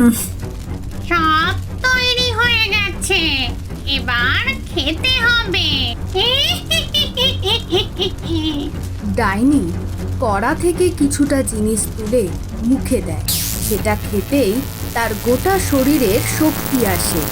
সব তৈরি হয়ে গেছে, এবার খেতে হবে। ডাইনি কড়া থেকে কিছুটা জিনিস তুলে মুখে দেয়, যেটা খেতেই তার গোটা শরীরের শক্তি আসে।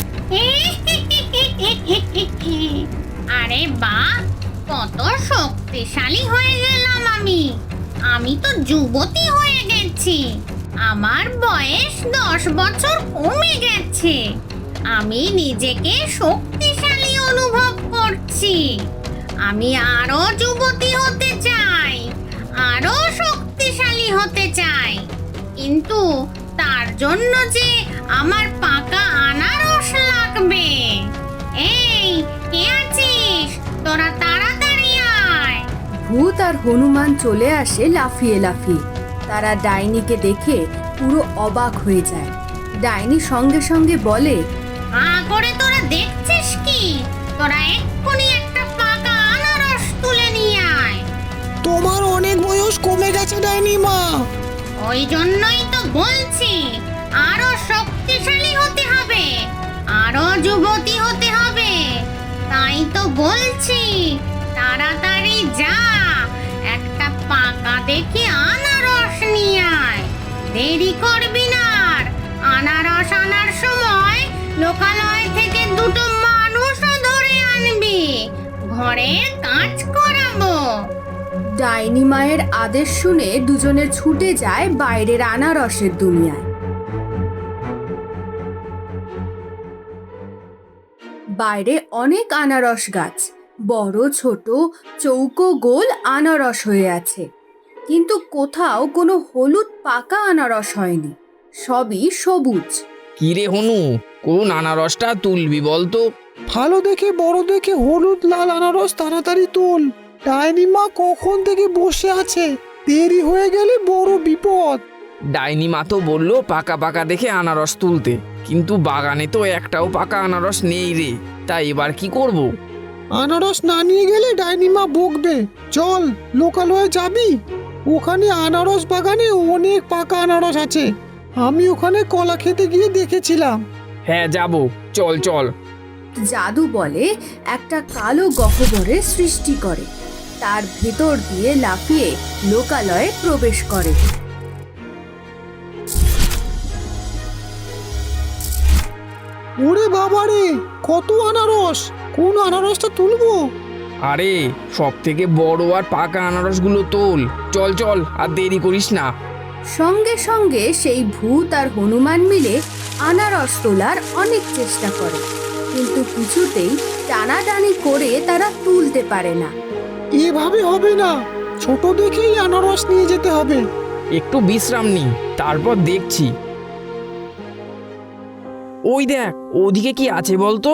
আরে বাহ, কত শক্তিশালী হয়ে গেলাম আমি। আমি তো যুবতী হয়ে গেছি। আমার বয়স 10 বছর কমে গেছে। আমি নিজেকে শক্তিশালী অনুভব করছি। আমি আরো যুবতী হতে চাই, আরো শক্তিশালী হতে চাই, কিন্তু তার জন্য যে আমার পাকা আনারস লাগবে। এই, কে আছিস? তোরা তাড়াতাড়ি আয়। ভূত আর হনুমান চলে আসে লাফিয়ে লাফিয়ে। তারা ডাইনিকে দেখে পুরো অবাক হয়ে যায়। ডাইনি সঙ্গে সঙ্গে বলে, করে তোরা দেখছিস কি? তোরা এক্ষুনি একটা পাকা আনারস তুলে নিয়ে আয়। তোমার অনেক বয়স কমে গেছে ডাইনি মা। ওই জন্যই তো বলছি, আরো শক্তিশালী হতে হবে, আরো যুবতী হতে হবে। তাই তো বলছি, তাড়াতাড়ি যা, একটা পাকা দেখে আনারস নিয়ে আয়। দেরি করবি না আর। আনারস আনার সময় লোকালয় থেকে দুটো মানুষও ধরে আনবি, ঘরের কাজ করাবো। ডাইনি মায়ের আদেশ শুনে দুজনে ছুটে যায় বাইরের আনারসের দুনিয়ায়। বাইরে অনেক আনারস গাছ, বড় ছোট চৌকো গোল আনারস হয়ে আছে, কিন্তু কোথাও কোনো হলুদ পাকা আনারস হয়নি, সবই সবুজ। কিরে হনু, কোন আনারসটা তুলবি বলতো? ভালো দেখে বড় দেখে হলুদ লাল আনারস তাড়াতাড়ি তোল। ডাইনি মা কখন থেকে বসে আছে, দেরি হয়ে গেলে বড় বিপদ। ডাইনি মা তো বললো পাকা পাকা দেখে আনারস তুলতে, কিন্তু বাগানে তো একটাও পাকা আনারস নেই রে। তাই এবার কি করব? আনারস না নিয়ে গেলে ডাইনি মা বকবে। চল, লোকালয়ে যাবি? ওখানে আনারস বাগানে অনেক পাকা আনারস আছে। আমি ওখানে কলা খেতে গিয়ে দেখেছিলাম। হ্যাঁ যাব, চল চল। জাদু বলে একটা কালো গহ্বরের সৃষ্টি করে, তার ভেতর দিয়ে লাফিয়ে লোকালয়ে প্রবেশ করে। ওরে বাবারে, কত আনারস! কোন আনারসটা তুলবো? আরে সব থেকে বড় আর পাকা আনারসগুলো তোল। চল চল, আর দেরি করিস না। সঙ্গে সঙ্গে সেই ভূত আর হনুমান মিলে আনারস তোলার অনেক চেষ্টা করে, কিন্তু কিছুতেই টানাটানি করে তারা তুলতে পারে না। এভাবে হবে না, ছোট দেখেই আনারস নিয়ে যেতে হবে। একটু বিশ্রাম নি, তারপর দেখছি। ওই দেখ, ওদিকে কি আছে বলতো?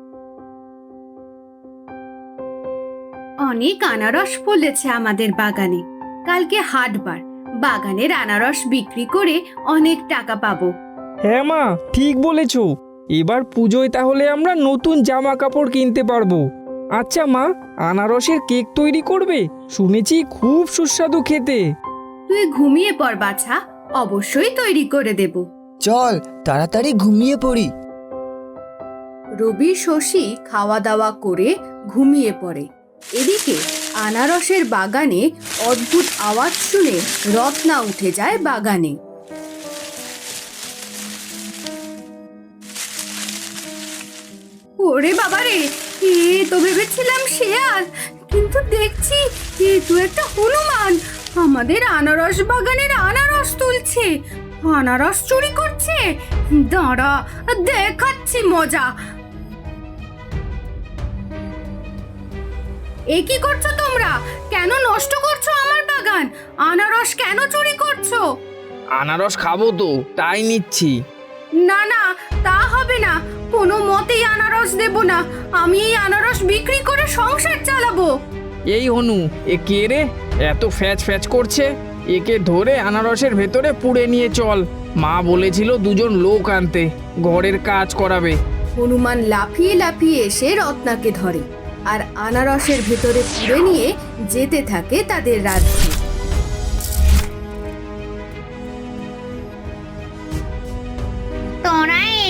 অনেক আনারস ফলেছে আমাদের বাগানে। কালকে হাটবার, বাগানের আনারস বিক্রি করে অনেক টাকা পাবো। হ্যাঁ মা, ঠিক বলেছ। এবার পুজোয় তাহলে আমরা নতুন জামা কাপড় কিনতে পারবো। আচ্ছা মা, আনারসের কেক তৈরি করবে? শুনেছি খুব সুস্বাদু খেতে। তুই ঘুমিয়ে পড় বাছা, অবশ্যই তৈরি করে দেব। চল তাড়াতাড়ি ঘুমিয়ে পড়ি। রবি শশী খাওয়া দাওয়া করে ঘুমিয়ে পড়ে। এদিকে আনারসের বাগানে অদ্ভুত আওয়াজ শুনে রত্না উঠে যায় বাগানে। ওরে বাবারে, এ তো ভেবেছিলাম শেয়াল, কিন্তু দেখছি এ তো একটা হনুমান। আমাদের আনারস বাগানের আনারস তুলছে, আনারস চুরি করছে। দাঁড়া, দেখাচ্ছি মজা। এ কি করছো তোমরা? কেন নষ্ট করছো আমার বাগান? আনারস কেন চুরি করছো? আনারস খাবো তো, তাই নিচ্ছি। না না, তা হবে না, কোনো মতেই আনারস দেব না। আমি এই আনারস বিক্রি করে সংসার চালাবো। এই হনু, এ কে রে? এত ফ্যাচ ফ্যাচ করছে। একে ধরে আনারসের ভেতরে পুড়ে নিয়ে চল। মা বলেছিল দুজন লোক আনতে, ঘরের কাজ করাবে। হনুমান লাফিয়ে লাফিয়ে এসে রত্নাকে ধরে আর আনারসের ভেতরে পুরে নিয়ে যেতে থাকে তাদের রাজ্যে।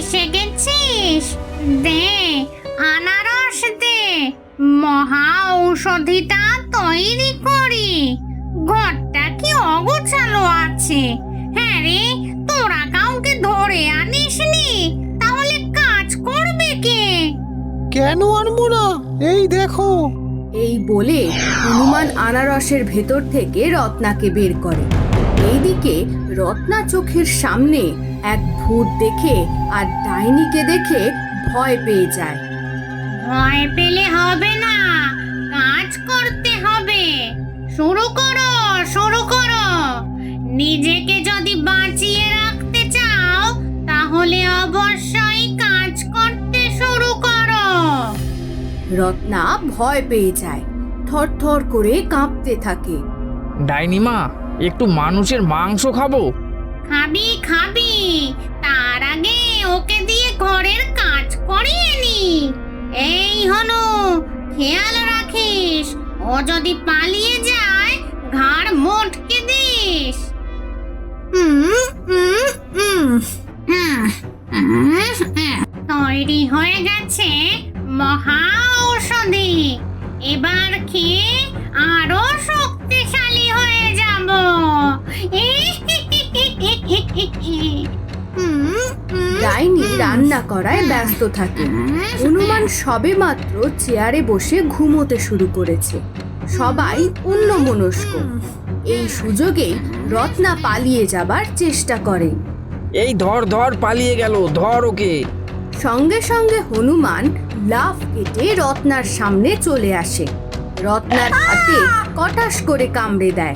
এসে গেছিস? দে, আনারস দে, মহা ঔষধিটা তৈরি করি। ঘরটা কি অগোছালো আছে। হ্যাঁ রে, তোরা কাউকে ধরে আনিসনি, তাহলে কাজ করবে কে? কেন আনবো না? এই দেখো। এই বলে হনুমান আনারসের ভেতর থেকে রত্নাকে বের করে। এইদিকে রত্না চোখের সামনে এক ভূত দেখে আর ডাইনিকে দেখে ভয় পেয়ে যায়। ভয় পেলে হবে না, কাজ করতে হবে। শুরু করো, শুরু করো। নিজেকে যদি বাঁচিয়ে রাখতে চাও, তাহলে অবশ্যই কাজ করতে শুরু করো। রত্না ভয় পেয়ে যায়, থরথর করে কাঁপতে থাকে। ডাইনিমা, একটু মানুষের মাংস খাবো। খাবি খাবি, তার আগে ওকে দিয়ে ঘরের কাজ করিয়ে নি। এই হনু, খেয়াল রাখিস, ও যদি পালিয়ে যায় ঘাড় মোটকে দিস। তৈরি হয়ে গেছে মহা ঔষধি। এবার খেয়ে আরো শক্তিশালী হয়ে যাব। ডাইনি রান্না করায় ব্যস্ত থাকে। হনুমান সবেমাত্র চেয়ারে বসে ঘুমোতে শুরু করেছে। সবাই অন্যমনস্ক। এই সুযোগেই রত্না পালিয়ে যাবার চেষ্টা করে। এই ধর ধর, পালিয়ে গেল, ধর ওকে। সঙ্গে সঙ্গে হনুমান লাফ কেটে রত্নার সামনে চলে আসে। রত্নার হাতে কটাস করে কামড়ে দেয়।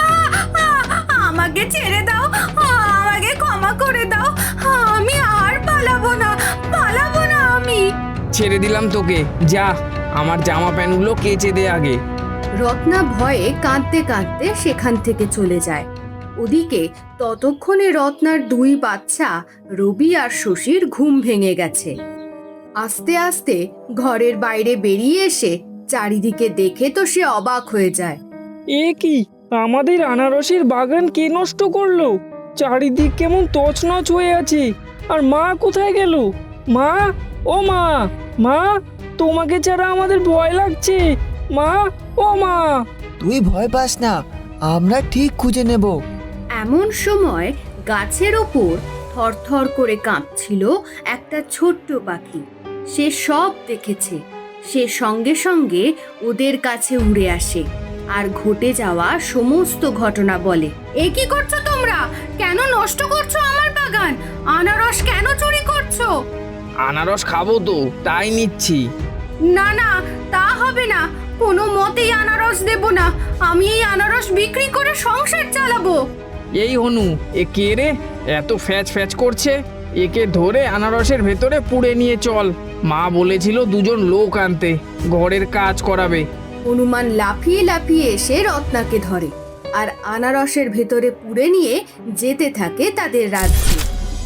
আমাকে ছেড়ে দাও, আমাকে ক্ষমা করে দাও, আমি আর পালাবো না, পালাবো না আমি। ছেড়ে দিলাম তোকে, যা আমার জামা প্যান্টগুলো কেচে দে আগে। রত্না ভয়ে কাঁদতে কাঁদতে সেখান থেকে চলে যায়। ওদিকে ততক্ষণে রত্নার দুই বাচ্চা রবি আর শশীর ঘুম ভেঙে গেছে। আস্তে আস্তে ঘরের বাইরে বেরিয়ে এসে চারিদিকে দেখে তো সে অবাক হয়ে যায়। এ কি, আমাদের আনারসের বাগান কে নষ্ট করলো? চারিদিক কেমন তছনছ হয়ে আছে। আর মা কোথায় গেল? মা, ও মা, মা, তোমাকে ছাড়া আমাদের ভয় লাগছে। মা, ও মা। তুই ভয় পাস না, আমরা ঠিক খুঁজে নেব। এমন সময় গাছের ওপর থরথর করে কাঁপছিল একটা ছোট্ট পাখি। সে সব দেখেছে। সে সঙ্গে সঙ্গে ওদের কাছে উড়ে আসে আর ঘটে যাওয়া সমস্ত ঘটনা বলে। এ কি করছো তোমরা? কেন নষ্ট করছো আমার বাগান? আনারস কেন চুরি করছো? আনারস খাবো তো, তাই নিচ্ছি। না না, তা হবে না। কোনো মতেই আনারস দেব না। আমি এই আনারস বিক্রি করে সংসার চালাবো। এই হনু, এ কে রে? এত ফ্যাচ ফ্যাচ করছে। একে ধরে আনারসের ভেতরে পুড়ে নিয়ে চল। মা বলেছিল দুজন লোক আনতে, ঘরের কাজ করাবে। হনুমান লাফিয়ে লাফিয়ে এসে রত্নাকে ধরে আর আনারসের ভেতরে পুড়ে নিয়ে যেতে থাকে তাদের রাজ্যে।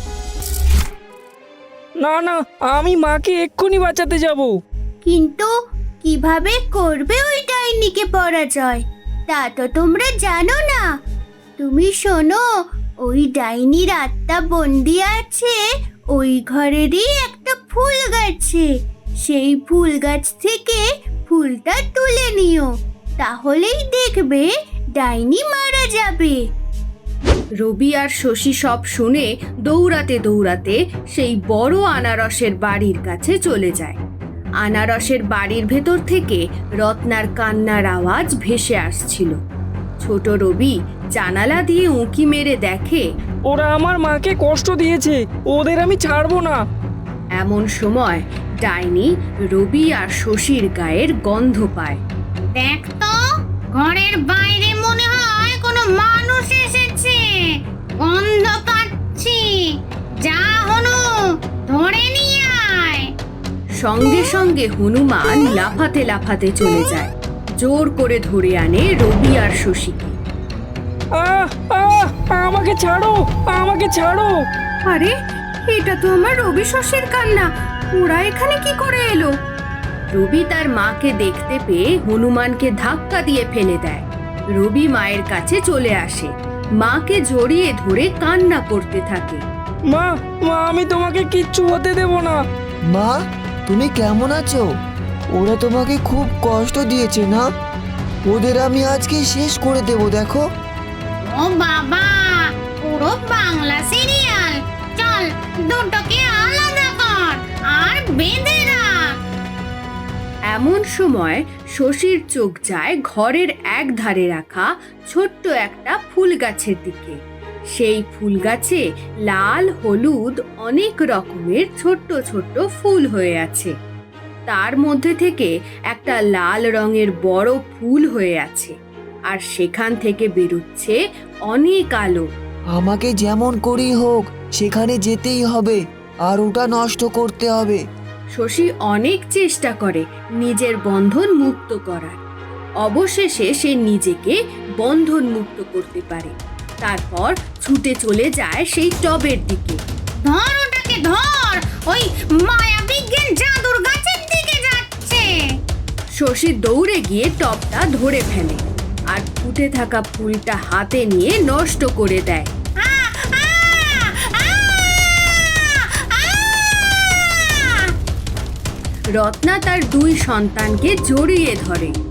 না না, আমি মাকে এক্ষুনি বাঁচাতে যাব। কিন্তু কিভাবে করবে ওই ডাইনিকে পরাজয়, তা তো তোমরা জানো না। তুমি শোনো, ওই ডাইনির আত্মা বন্দি আছে ওই ঘরেরই একটা ফুল গাছে। সেই ফুল গাছ থেকে ফুলটা তুলে নিও, তাহলেই দেখবে ডাইনি মারা যাবে। রবি আর শশী সব শুনে দৌড়াতে দৌড়াতে সেই বড় আনারসের বাড়ির কাছে চলে যায়। আনারসের বাড়ির ভেতর থেকে রত্নার কান্নার আওয়াজ ভেসে আসছিল। ছোট রবি জানালা দিয়ে উঁকি মেরে দেখে ওরা আমার মাকে কষ্ট দিয়েছে, ওদের আমি ছাড়বো না। এমন সময় ডাইনি রবি আর শশীর গায়ের গন্ধ পায়। দেখ তো, ঘরের বাইরে মনে হয় কোনো মানুষ এসেছে। গন্ধ পাচ্ছি। যা হনু, ধরে নিয়ে আয়। সঙ্গে সঙ্গে হনুমান লাফাতে লাফাতে চলে যায়। জোর করে ধরে আনে রবি আর শশীকে। আহ আহ, আমাকে ছাড়ো, আমাকে ছাড়ো। আরে, এটা তো আমার রবি শশীর কান্না। ওরা এখানে কি করে এলো? রবি তার মাকে দেখতে পেয়ে হনুমানকে ধাক্কা দিয়ে ফেলে দেয়। রবি মায়ের কাছে চলে আসে, মাকে জড়িয়ে ধরে কান্না করতে থাকে। মা মা আমি তোমাকে কিচ্ছু হতে দেব না। মা তুমি কেমন আছো? ওরা তোমাকে খুব কষ্ট দিয়েছে না? ওদের আমি আজকে শেষ করে দেব দেখো। ও বাবা, পুরো বাংলা সিরিয়াল। চল দুটোকে আলাদা কর আর বেঁধে রাখ। এমন সময় শশীর চোখ যায় ঘরের এক ধারে রাখা ছোট্ট একটা ফুল গাছের দিকে। সেই ফুল গাছে লাল হলুদ অনেক রকমের ছোট্ট ছোট্ট ফুল হয়ে আছে। তার মধ্যে থেকে একটা লাল রঙের বড় ফুল হয়ে আছে, আর সেখান থেকে বেরোচ্ছে অনেক আলো। আমাকে যেমন করেই হোক সেখানে যেতেই হবে, আর ওটা নষ্ট করতে হবে। শশী অনেক চেষ্টা করে নিজের বন্ধন মুক্ত করার। অবশেষে সে নিজেকে বন্ধন মুক্ত করতে পারে। তারপর ছুটে চলে যায় সেই টবের দিকে। ধর ওটাকে ধর, ওই মায়া বিজ্ঞান জাদুর গাছের দিকে যাচ্ছে। শশী দৌড়ে গিয়ে টবটা ধরে ফেলে আর ফুটে থাকা ফুলটা হাতে নিয়ে নষ্ট করে দেয়। রত্না তার দুই সন্তানকে জড়িয়ে ধরে।